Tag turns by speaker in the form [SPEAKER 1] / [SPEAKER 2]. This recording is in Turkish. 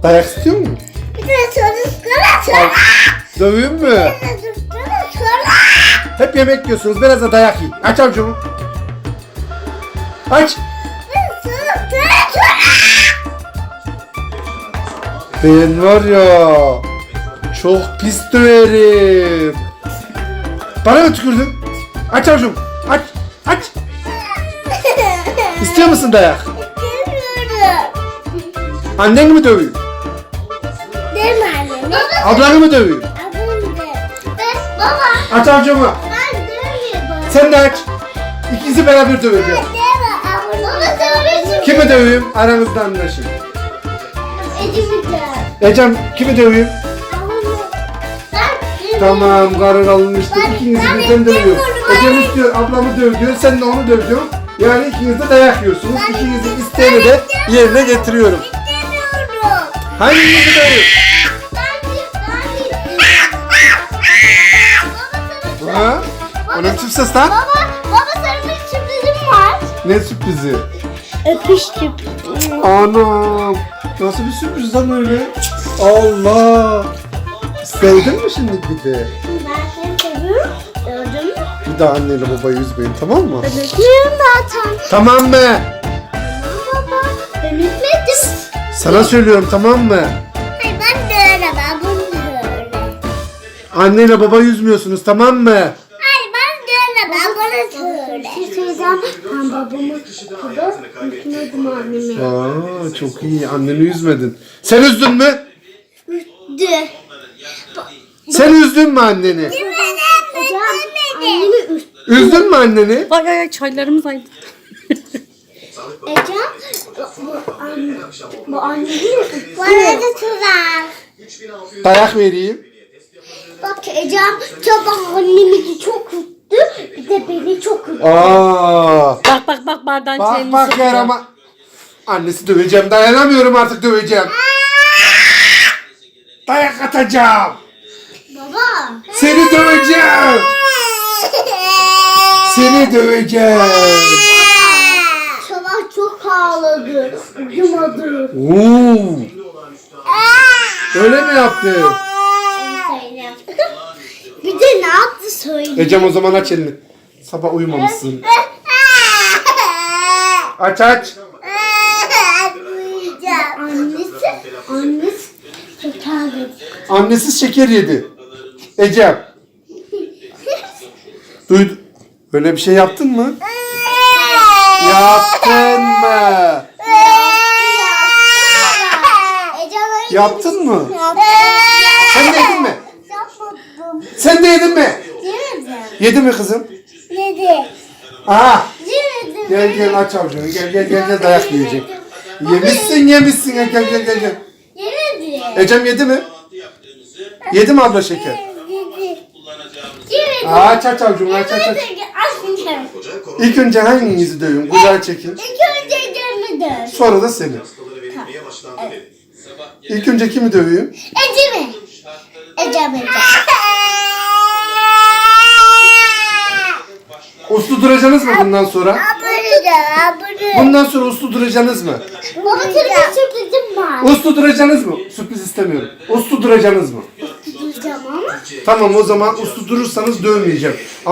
[SPEAKER 1] Dayak istiyor musun?
[SPEAKER 2] Bir de sonra.
[SPEAKER 1] Döveyim mü?
[SPEAKER 2] Sonra.
[SPEAKER 1] Hep yemek yiyorsunuz. Biraz da dayak yiyin. Aç avucumu. Aç. Ben var ya, çok pis döverim. Bana mı tükürdün? Aç avucumu. Aç. Aç. İstiyor musun dayak? Anneni mi döveyim?
[SPEAKER 2] Değil mi anne?
[SPEAKER 1] Ablanı mı döveyim?
[SPEAKER 2] Baba.
[SPEAKER 1] Aç avucumu.
[SPEAKER 2] Ben dövüyorum.
[SPEAKER 1] Sen de aç. İkinizi beraber döveceğim.
[SPEAKER 2] Baba dövüyorsun.
[SPEAKER 1] Kimi döveyim? Aranızda anlaşın.
[SPEAKER 2] Ecim'de.
[SPEAKER 1] Ecem kimi döveyim? Tamam, karar alınmıştır. İkinizi birden dövüyor. Ecem istiyor, ablamı döv diyor. Sen de onu döv diyor. Yani ikiniz de dayak yiyorsunuz. İkinizin isteğini de yerine getiriyorum.
[SPEAKER 2] İstemiyorum.
[SPEAKER 1] Hanginizi döveyim? Ha? O ne biçim ses lan?
[SPEAKER 2] Baba sana bir sürprizim var.
[SPEAKER 1] Ne sürprizi?
[SPEAKER 2] Öpüştüm.
[SPEAKER 1] Anam. Nasıl bir sürpriz lan öyle? Allah. Sevdin mi şimdi bir de?
[SPEAKER 2] Ben seni seviyorum. Gördün mü?
[SPEAKER 1] Bir daha anneyle babayı üzmeyin, tamam mı?
[SPEAKER 2] Ben öpüyorum zaten.
[SPEAKER 1] Tamam mı?
[SPEAKER 2] Tamam baba. Ben öpmedim.
[SPEAKER 1] Sana söylüyorum, tamam mı?
[SPEAKER 2] Hayır ben de öyle. Ben bunu da öyle.
[SPEAKER 1] Anneyle babayı üzmüyorsunuz, tamam mı?
[SPEAKER 2] Hayır ben de öyle. Ben bunu da öyle. Bir şey söyleyeceğim. Ben babamı okudu. Unutmadım annemi.
[SPEAKER 1] Aa, çok iyi. Anneni üzmedin. Sen üzdün mü?
[SPEAKER 2] De.
[SPEAKER 1] Sen üzdün mü anneni?
[SPEAKER 2] Hocam annemi üst.
[SPEAKER 1] Üzdün mü anneni?
[SPEAKER 3] Ay ay çaylarımız aydı.
[SPEAKER 2] Ecem bu annemi üst. Bana da tuzak.
[SPEAKER 1] Dayak vereyim.
[SPEAKER 2] Bak Ecem sabah annemi çok üstü. Bir de beni çok üstü.
[SPEAKER 1] Aa.
[SPEAKER 3] Bak bardağın
[SPEAKER 1] Bak
[SPEAKER 3] çayını
[SPEAKER 1] bak
[SPEAKER 3] sıkıyor.
[SPEAKER 1] yarama. Annesi döveceğim. Dayanamıyorum artık, döveceğim. Dayak atacağım.
[SPEAKER 2] Baba.
[SPEAKER 1] Seni döveceğim. Seni döveceğim.
[SPEAKER 2] Sabah çok ağladı. Uyumadı.
[SPEAKER 1] Oo. Öyle mi yaptı?
[SPEAKER 2] Bir de ne yaptı söyle.
[SPEAKER 1] Ecem o zaman aç elini. Sabah uyumamışsın. Aç aç.
[SPEAKER 2] Annesi şeker dedi.
[SPEAKER 1] Annesiz şeker yedi. Ecem. Duydu. Böyle bir şey yaptın mı? Yaptın mı? Yaptın mı? Sen de yedin mi?
[SPEAKER 2] Yapmadım.
[SPEAKER 1] Sen de yedin mi?
[SPEAKER 2] Yemedim.
[SPEAKER 1] Yedi mi kızım?
[SPEAKER 2] Yedi.
[SPEAKER 1] Aha.
[SPEAKER 2] Yemedim.
[SPEAKER 1] Gel aç avucunu. Gel dayak yiyecek. Yemişsin. Gel.
[SPEAKER 2] Yemedim.
[SPEAKER 1] Ecem yedi mi? Yedi mi abla şeker?
[SPEAKER 2] Yemedim.
[SPEAKER 1] Aç avucunu aç. İlk önce hanginizi dövün? Güzel çekin.
[SPEAKER 2] İlk önce yemedim.
[SPEAKER 1] Sonra da seni. İlk önce kimi döveyim?
[SPEAKER 2] Ecemi. Ecem.
[SPEAKER 1] Uslu duracaksınız mı bundan sonra? Bundan sonra uslu duracaksınız mı?
[SPEAKER 2] Baba sana bir sürprizim var.
[SPEAKER 1] Uslu duracaksınız mı? Sürpriz istemiyorum. Uslu duracaksınız mı?
[SPEAKER 2] Tutacağım ama.
[SPEAKER 1] Tamam, o zaman uslu durursanız dövmeyeceğim.